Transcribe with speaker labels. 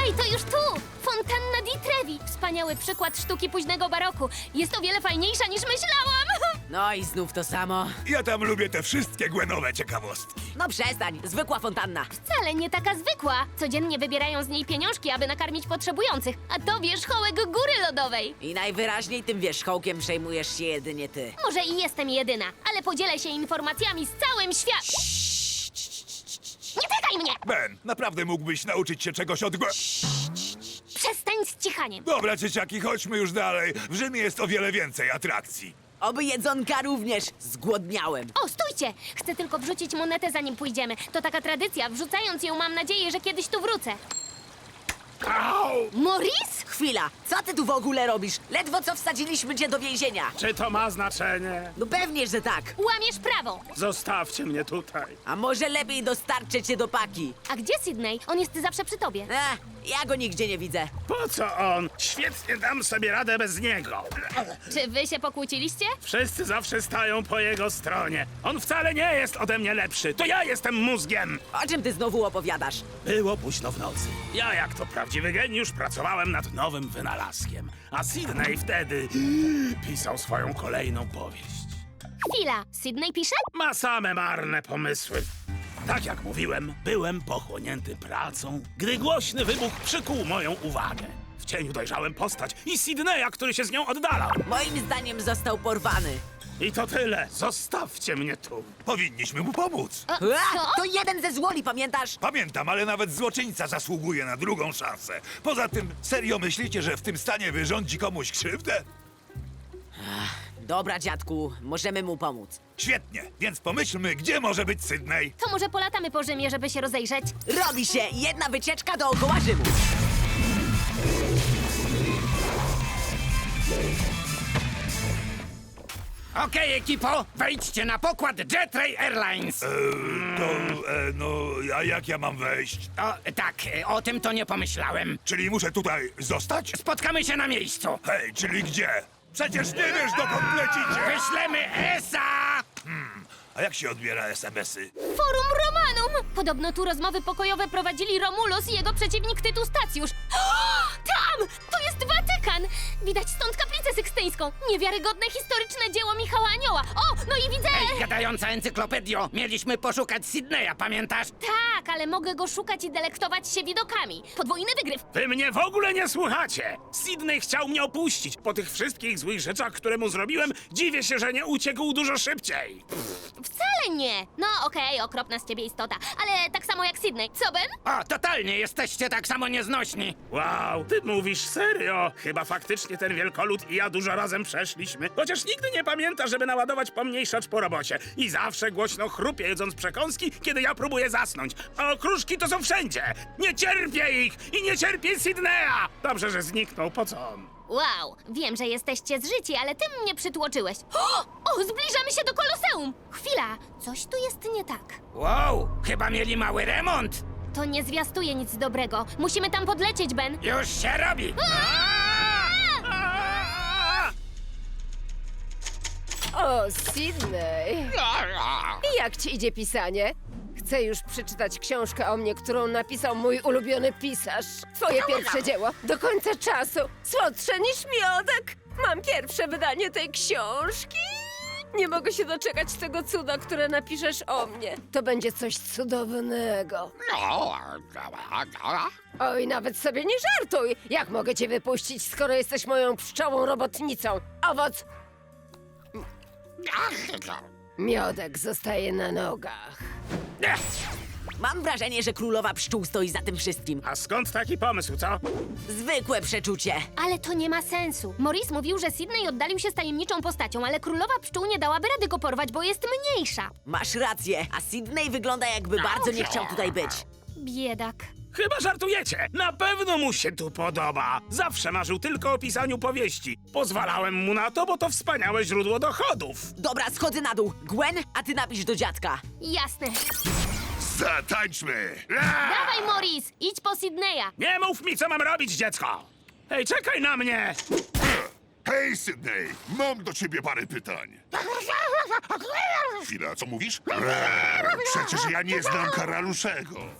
Speaker 1: Hej, to już tu! Fontanna di Trevi. Wspaniały przykład sztuki późnego baroku. Jest o wiele fajniejsza niż myślałam.
Speaker 2: No i znów to samo.
Speaker 3: Ja tam lubię te wszystkie Gwenowe ciekawostki.
Speaker 2: No przestań, zwykła fontanna.
Speaker 1: Wcale nie taka zwykła. Codziennie wybierają z niej pieniążki, aby nakarmić potrzebujących. A to wierzchołek góry lodowej.
Speaker 2: I najwyraźniej tym wierzchołkiem przejmujesz się jedynie ty.
Speaker 1: Może i jestem jedyna, ale podzielę się informacjami z całym światem. Nie tykaj mnie!
Speaker 3: Ben, naprawdę mógłbyś nauczyć się czegoś od
Speaker 1: Przestań z cichaniem.
Speaker 3: Dobra, dzieciaki, chodźmy już dalej. W Rzymie jest o wiele więcej atrakcji.
Speaker 2: Oby jedzonka również. Zgłodniałem.
Speaker 1: O, stójcie! Chcę tylko wrzucić monetę, zanim pójdziemy. To taka tradycja. Wrzucając ją, mam nadzieję, że kiedyś tu wrócę. Maurice?
Speaker 2: Chwila, co ty tu w ogóle robisz? Ledwo co wsadziliśmy cię do więzienia.
Speaker 4: Czy to ma znaczenie?
Speaker 2: No pewnie, że tak.
Speaker 1: Łamiesz prawo.
Speaker 4: Zostawcie mnie tutaj.
Speaker 2: A może lepiej dostarczę cię do paki?
Speaker 1: A gdzie Sydney? On jest zawsze przy tobie.
Speaker 2: Ja go nigdzie nie widzę.
Speaker 4: Po co on? Świetnie dam sobie radę bez niego.
Speaker 1: Czy wy się pokłóciliście?
Speaker 4: Wszyscy zawsze stają po jego stronie. On wcale nie jest ode mnie lepszy. To ja jestem mózgiem.
Speaker 2: O czym ty znowu opowiadasz?
Speaker 4: Było późno w nocy. Ja, jak to prawdziwy geniusz, pracowałem nad nowym wynalazkiem. A Sydney wtedy pisał swoją kolejną powieść.
Speaker 1: Chwila. Sydney pisze?
Speaker 4: Ma same marne pomysły. Tak jak mówiłem, byłem pochłonięty pracą, gdy głośny wybuch przykuł moją uwagę. W cieniu dojrzałem postać i Sydneya, który się z nią oddalał.
Speaker 2: Moim zdaniem został porwany.
Speaker 4: I to tyle. Zostawcie mnie tu.
Speaker 3: Powinniśmy mu pomóc.
Speaker 1: Co?
Speaker 2: To jeden ze złoli, pamiętasz?
Speaker 3: Pamiętam, ale nawet złoczyńca zasługuje na drugą szansę. Poza tym, serio myślicie, że w tym stanie wyrządzi komuś krzywdę?
Speaker 2: Dobra, dziadku, możemy mu pomóc.
Speaker 3: Świetnie, więc pomyślmy, gdzie może być Sydney.
Speaker 1: To może polatamy po Rzymie, żeby się rozejrzeć?
Speaker 2: Robi się jedna wycieczka dookoła Rzymu.
Speaker 5: Okej, ekipo, wejdźcie na pokład Jetray Airlines.
Speaker 3: A jak ja mam wejść?
Speaker 5: O, tak, o tym to nie pomyślałem.
Speaker 3: Czyli muszę tutaj zostać?
Speaker 5: Spotkamy się na miejscu.
Speaker 3: Hej, czyli gdzie? Przecież nie wiesz, dokąd lecicie!
Speaker 5: Wyślemy ESA!
Speaker 3: A jak się odbiera SMS-y?
Speaker 1: Forum Romanum! Podobno tu rozmowy pokojowe prowadzili Romulus i jego przeciwnik Tytus Stacjusz. Tam! To jest Watykan! Widać stąd kaplicę sykstyńską. Niewiarygodne historyczne dzieło Michała Anioła. O, no i widzę...
Speaker 5: Ej, gadająca encyklopedio, mieliśmy poszukać Sydneya, pamiętasz?
Speaker 1: Tak, ale mogę go szukać i delektować się widokami. Podwójny wygryw.
Speaker 4: Wy mnie w ogóle nie słuchacie! Sydney chciał mnie opuścić. Po tych wszystkich złych rzeczach, które mu zrobiłem, dziwię się, że nie uciekł dużo szybciej.
Speaker 1: Wcale nie. No okej, okropna z ciebie istota. Ale tak samo jak Sydney. Co, Ben?
Speaker 5: O, totalnie, jesteście tak samo nieznośni.
Speaker 4: Wow, ty mówisz serio? Chyba faktycznie ten wielkolud i ja dużo razem przeszliśmy. Chociaż nigdy nie pamięta, żeby naładować pomniejszacz po robocie. I zawsze głośno chrupie, jedząc przekąski, kiedy ja próbuję zasnąć. A okruszki to są wszędzie. Nie cierpię ich i nie cierpię Sydneya. Dobrze, że zniknął. Po co on?
Speaker 1: Wow, wiem, że jesteście zżyci, ale ty mnie przytłoczyłeś. O, zbliżamy się do Koloseum! Chwila, coś tu jest nie tak.
Speaker 5: Wow, chyba mieli mały remont.
Speaker 1: To nie zwiastuje nic dobrego. Musimy tam podlecieć, Ben.
Speaker 5: Już się robi.
Speaker 6: O, Sydney! I jak ci idzie pisanie? Chcę już przeczytać książkę o mnie, którą napisał mój ulubiony pisarz. Twoje pierwsze dzieło, do końca czasu. Słodsze niż miodek. Mam pierwsze wydanie tej książki. Nie mogę się doczekać tego cuda, które napiszesz o mnie. To będzie coś cudownego. Oj, nawet sobie nie żartuj. Jak mogę cię wypuścić, skoro jesteś moją pszczołą robotnicą? Owoc... Miodek zostaje na nogach.
Speaker 2: Mam wrażenie, że królowa pszczół stoi za tym wszystkim.
Speaker 4: A skąd taki pomysł, co?
Speaker 2: Zwykłe przeczucie.
Speaker 1: Ale to nie ma sensu. Maurice mówił, że Sydney oddalił się z tajemniczą postacią, ale królowa pszczół nie dałaby rady go porwać, bo jest mniejsza.
Speaker 2: Masz rację, a Sydney wygląda jakby bardzo nie chciał tutaj być.
Speaker 1: Biedak.
Speaker 4: Chyba żartujecie. Na pewno mu się tu podoba. Zawsze marzył tylko o pisaniu powieści. Pozwalałem mu na to, bo to wspaniałe źródło dochodów.
Speaker 2: Dobra, schodzę na dół. Gwen, a ty napisz do dziadka.
Speaker 1: Jasne.
Speaker 3: Zatańczmy!
Speaker 1: Dawaj, Maurice, idź po Sydneya.
Speaker 4: Nie mów mi, co mam robić, dziecko! Hej, czekaj na mnie!
Speaker 7: Hej, Sydney, mam do ciebie parę pytań. Chwila, co mówisz? Przecież ja nie znam karaluszego.